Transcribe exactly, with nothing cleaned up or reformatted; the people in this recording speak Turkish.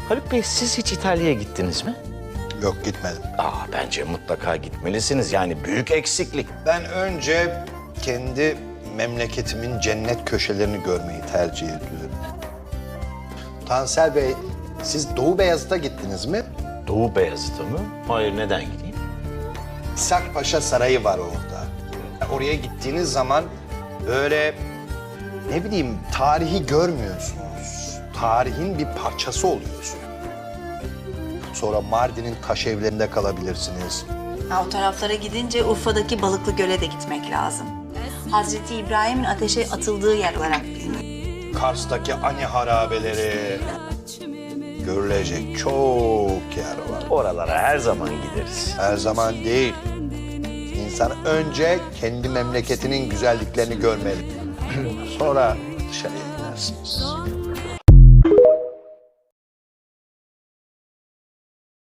Haluk Bey, siz hiç İtalya'ya gittiniz mi? Yok, gitmedim. Aa, bence mutlaka gitmelisiniz. Yani büyük eksiklik. Ben önce kendi memleketimin cennet köşelerini görmeyi tercih ediyorum. Tansel Bey, siz Doğu Beyazıt'a gittiniz mi? Doğu Beyazıt'a mı? Hayır, neden gideyim? İshak Paşa Sarayı var orada. Oraya gittiğiniz zaman böyle ne bileyim tarihi görmüyorsunuz. Tarihin bir parçası oluyorsunuz. Sonra Mardin'in taş evlerinde kalabilirsiniz. Ha, o taraflara gidince Urfa'daki Balıklı Göl'e de gitmek lazım. Hazreti İbrahim'in ateşe atıldığı yer olarak biliniyor. Kars'taki Ani harabeleri görülecek çok yer var. Oralara her zaman gideriz. Her zaman değil. İnsan önce kendi memleketinin güzelliklerini görmeli. Sonra dışarıya gidersiniz.